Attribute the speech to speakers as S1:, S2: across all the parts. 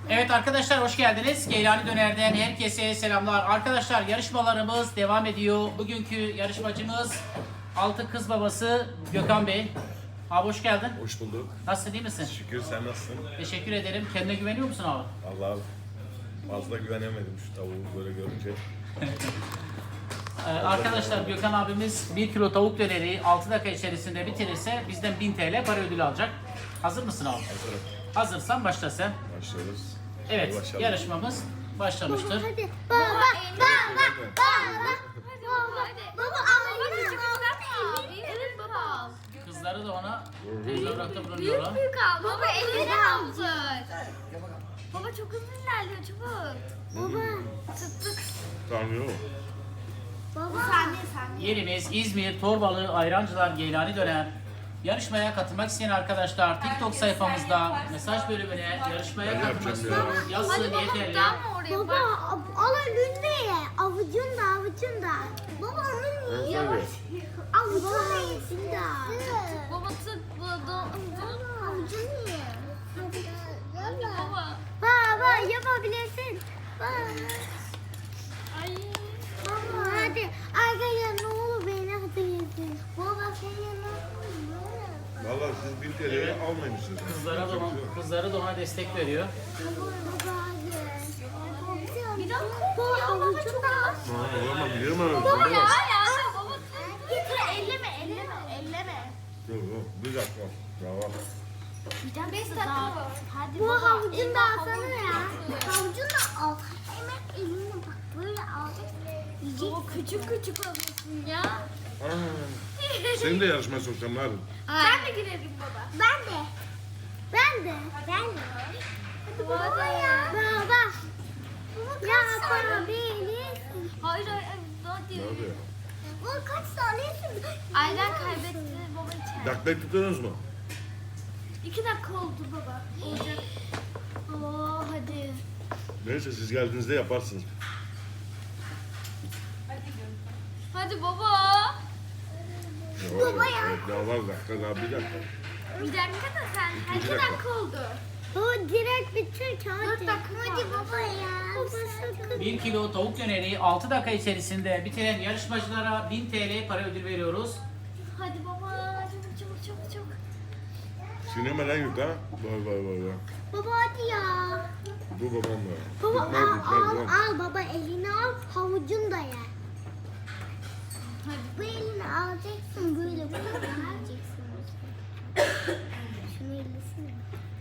S1: Evet arkadaşlar hoş geldiniz. Geylani Döner'den herkese selamlar. Arkadaşlar yarışmalarımız devam ediyor. Bugünkü yarışmacımız Altı Kız Babası Gökhan Bey. Abi hoş geldin.
S2: Hoş bulduk.
S1: Nasılsın, iyi misin?
S2: Şükür, sen nasılsın?
S1: Teşekkür ederim. Kendine güveniyor musun abi?
S2: Allah fazla güvenemedim şu tavuğu böyle görünce.
S1: Arkadaşlar Gökhan abimiz 1 kilo tavuk döneri 6 dakika içerisinde bitirirse bizden 1000 TL para ödülü alacak. Hazır mısın abi?
S2: Hazırım.
S1: Hazırsan başla sen.
S2: Başlıyoruz.
S1: Evet,
S2: Başlayalım.
S1: yarışmamız başlamıştır.
S3: Hadi. Baba. Evet baba.
S1: Kızları da ona tezahüratta bulunuyorlar.
S3: Büyük al. Baba elini aldır. Baba çok hızlı ilerliyor çabuk. Baba. Tık tık.
S2: Tamam yok.
S3: Baba. Saniye.
S1: Yerimiz İzmir, Torbalı, Ayrancılar, Geylani Döner. Yarışmaya katılmak isteyen arkadaşlar TikTok sayfamızda mesaj bölümüne yarışmaya katılmak istiyorum yazsın yeterli.
S3: Baba al önünde ye. Avucunda. Baba onun
S2: Evet,
S3: yavaş.
S2: evet.
S3: Avucunda. Baba tık avucunu ye. Baba yapabilirsin. Ay. Baba hadi. Arkadaşlar ne olur beni hatırlasın. Baba sen yanına.
S2: Valla siz bir TL'yi almamışsınız.
S1: Kızlara da ona destek veriyor.
S3: Bir dakika. Bu avucunda.
S2: Olamam, yiyemem.
S3: Baba ya. Baba elleme.
S2: Yok, bir dakika. Tamam.
S3: Bir 5 dakika var. Hadi bu havucunu da alsana ya. Havucunu da al. Hemen eline bak böyle al. Baba küçük alıyorsun ya.
S2: Seni de yarışmaya sokacağım hadi.
S3: Sen de girelim baba. Ben de. Hadi baba ya. Baba. Ya yapabilirsin. Hayır hadi.
S2: Hadi.
S3: Bu kaç saniyesin? Aynen kaybetti baba içeride.
S2: Dakikayı tutuyorsunuz mu?
S3: 2 dakika oldu baba. Olacak. Oo hadi.
S2: Neyse siz geldiğinizde yaparsınız.
S3: Hadi baba.
S2: Baba ya. Evet, daha var dakika, daha bir dakika.
S3: Bir dakika da sen.
S2: 2 dakika.
S3: oldu. O direkt bitir hadi. 4 dakika hadi baba ya. Baba sakın.
S1: 1 kilo tavuk döneri 6 dakika içerisinde bitiren yarışmacılara 1000 TL para ödül veriyoruz.
S3: Hadi baba çabuk.
S2: Sinemeden yük ha. Vay.
S3: Baba hadi ya.
S2: Bu babam da.
S3: Baba
S2: Bitmez.
S3: al baba elini al havucunu da ye. Hadi. Bu elini alacaksın böyle alacaksın. Şunu ellisine.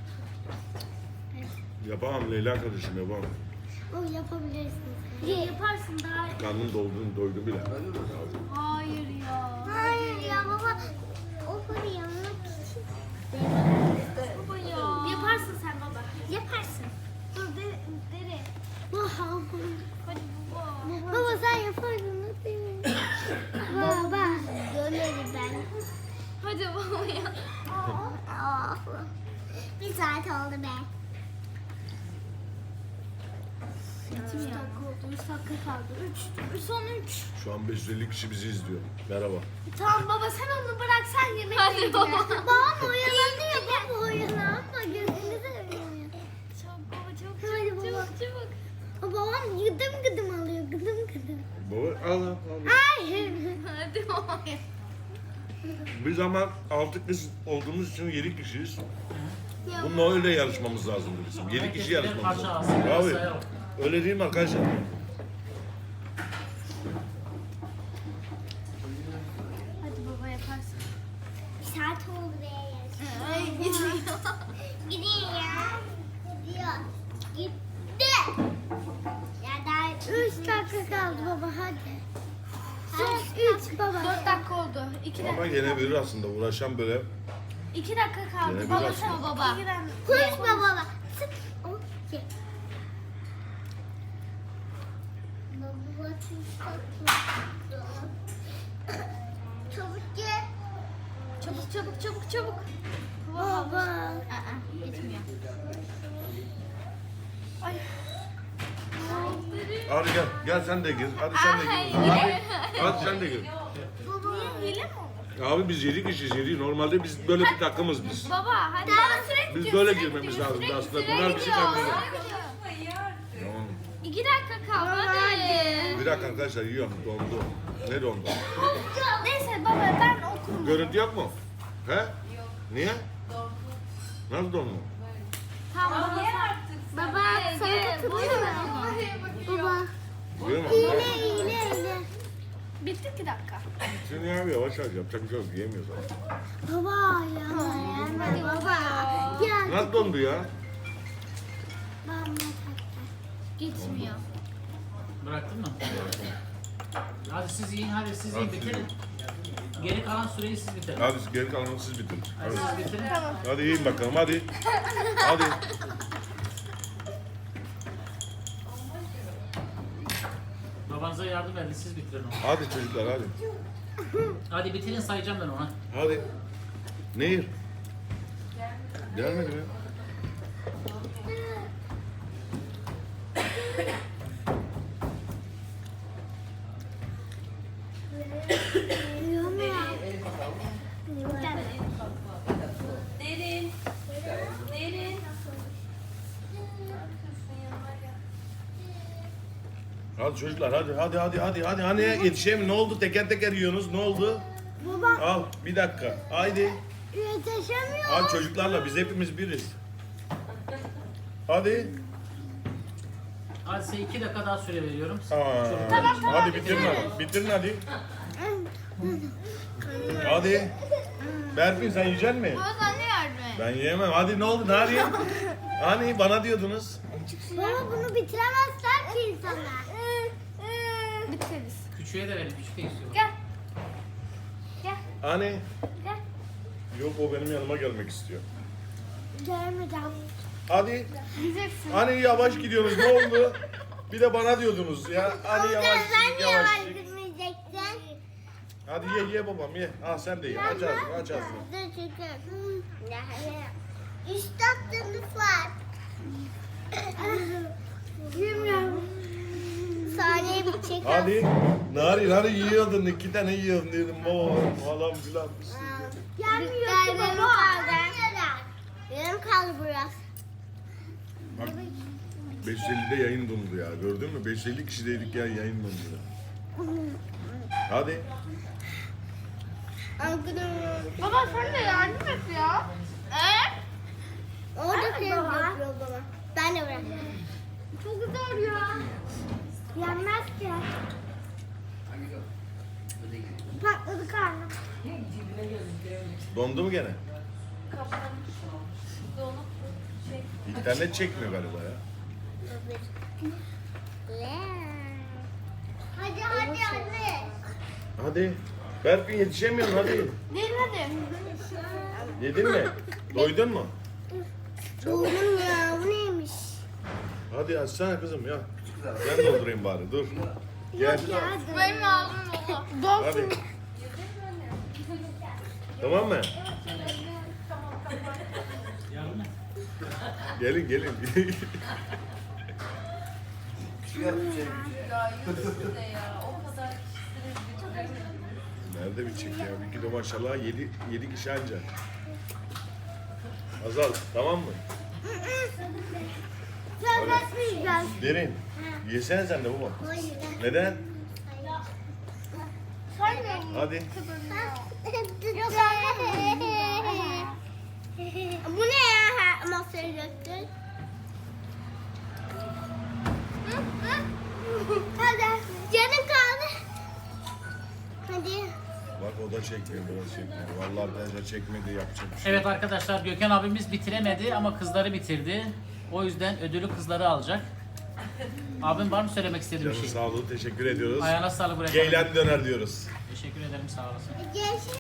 S2: Yapamam Leyla kardeşim, yapamam.
S3: O yapabilirsin. Yaparsın daha.
S2: Karnım doydu bile.
S3: Hayır ya baba. O parayı almak için. Baba ya. Yaparsın sen baba. Yaparsın. Dur dere. Hadi baba. Baba sen yaparsın. Baba. Döneri ben. Hadi baba ya. Bir saat oldu be. 3 dakika oldu. 3 dakika kaldı. Son 3.
S2: Şu an 550 kişi bizi izliyor. Merhaba.
S3: Tamam baba sen onu bırak sen yemek Hadi baba. Babam oyalanıyor baba oyalanma gözünü seveyim. Çok baba çok Hadi baba. Çabuk. Babam gıdım alıyor gıdım.
S2: Baba al.
S3: Hayır. Hadi baba.
S2: Biz ama 6 kız olduğumuz için 7 kişiyiz. Bununla öyle yarışmamız lazım bizim. 7 kişi yarışmamız lazım. Abi, öyle değil mi arkadaşlar?
S3: Hadi baba yaparsın. Bir saat oldu be yarışma. Ay gidiyor. Gidiyor ya. Gitti. Ya daha 3 dakika kaldı baba hadi. Son 3 baba. 4 dakika oldu. 2
S2: Ama gene verir aslında. Uğraşan böyle.
S3: 2 dakika kaldı.
S2: Gene
S3: Baba
S2: biraz
S3: sen
S2: mı?
S3: baba. Konuşma baba. Sık. Okey. Baba çabuk gel. Çabuk. Baba. Gitmiyor. Ay.
S2: Hadi gel sen de gir. Hadi sen de gir. Hadi sen de gir.
S3: Baba. Hile mi oldu?
S2: Abi biz 7 kişiyiz 7. Normalde biz böyle bir takımız biz.
S3: Baba hadi. Daha sürekli
S2: Biz böyle girmemiz lazım aslında. Bunlar bizi kandırıyor.
S3: Bir dakika kaldı hadi.
S2: Bir dakika arkadaşlar yiyorum. Dondu. Ne dondu?
S3: Neyse baba ben okurum.
S2: Görüntü yok mu? He? Yok. Niye? Nasıl dondu?
S3: Tamam baba. Baba sana katılıyor mu? Baba.
S2: Biliyor musun?
S3: İğne. Bitti ki dakika.
S2: Şimdi abi yavaş yavaş yapacak bir şey yok. Yiyemiyoruz abi.
S3: Baba ya. Baba. Gel.
S2: Nasıl dondu ya?
S3: Gitmiyor.
S1: Bıraktın mı? Hadi siz yiyin, hadi siz yiyin, bitirin. Geri kalan süreyi siz bitirin.
S2: Hadi geri kalanını siz bitirin.
S1: Hadi
S2: Hadi.
S1: siz bitirin.
S2: Hadi yiyin bakalım hadi. Hadi.
S1: Babanıza yardım edin, siz bitirin onu.
S2: Hadi çocuklar hadi.
S1: Hadi bitirin, sayacağım ben ona.
S2: Hadi. Nehir. Gelmedi mi?
S4: Derin. Derin.
S2: Hadi çocuklar hadi hani yetişeyim ne oldu teker teker yiyorsunuz ne oldu?
S3: Baba
S2: Al bir dakika haydi.
S3: yetişemiyor.
S2: Hadi çocuklarla biz hepimiz biriz. Hadi.
S1: Hadi size 2 dakika daha süre veriyorum.
S2: Hadi bitirin hadi. Bitirin hadi. Hadi. Berfin sen yiyecek misin?
S3: Baba sen ne yardım et?
S2: Ben yiyemem. Hadi ne oldu? Ne arayayım? Hani bana diyordunuz.
S3: Baba bunu bitiremezler ki insanlar. Bitiririz.
S1: Küçüğe de verin, küçük de istiyorum.
S3: Gel. Gel.
S2: Hani?
S3: Gel.
S2: Yok o benim yanıma gelmek istiyor.
S3: Gelmeyeceğim.
S2: Hadi.
S3: Yiyeceksin.
S2: Hani yavaş gidiyorsunuz ne oldu? Bir de bana diyordunuz ya. Hani yavaş yavaş.
S3: girmeyeceksin?
S2: Hadi ye babam ye. Ah sen de ye. Aç ağzını aç ağzını.
S3: Dur çünkü. İşte aklınız var. Bilmiyorum. Saniye bitecek.
S2: Hadi. Narin hani yiyordun 2 tane yiyordun dedim. Oo falan filan.
S3: Gelmiyor ki baba. Yarım kaldı biraz.
S2: Bak 550'de yayın dondu ya. Gördün mü? 550 kişideydik ya yayın dondu. Hadi.
S3: Baba sen de yardım et ya. Orada şey yapıyor baba. Ben de bırakıyorum. Çok zor ya. Yenmez ki. Patladı karnım.
S2: Dondu mu gene?
S4: Donup şey.
S2: İnternet çekmiyor galiba ya.
S3: Hadi.
S2: Hadi. Berfin yetişemiyorsun hadi.
S3: Değil hadi.
S2: Yedin mi? Doydun mu?
S3: Doydum ya bu neymiş?
S2: Hadi açsana kızım ya. Ben doldurayım bari dur. Gel.
S3: Benim ağzım dolu.
S2: Hadi. Tamam mı?
S1: Yardım mı?
S2: Gelin.
S4: Ya yüzü de ya. O kadar kişisiniz bitiremedim.
S2: Nerede bitecek ya? Bir kilo maşallah 7 kişi anca. Azal tamam mı?
S3: Söyletmeyeceğiz.
S2: Derin. Yesene sen de baba.
S3: Hayır.
S2: Neden?
S3: Saymayın.
S2: Hadi.
S3: Bu ne ya? Masaya döktün. Hadi. Canım kaldı. Hadi.
S2: Bak o da çekmiyor, burası çekmiyor. Vallahi arkadaşlar çekmedi yapacak bir şey.
S1: Evet arkadaşlar, Gökhan abimiz bitiremedi ama kızları bitirdi. O yüzden ödülü kızları alacak. Abim var mı söylemek istediğin bir
S2: Canın
S1: şey?
S2: sağlığı teşekkür ediyoruz.
S1: Ayağına sağlık bırak.
S2: Geylen döner diyoruz.
S1: Teşekkür ederim, sağ olasın.
S3: Görüşürüz.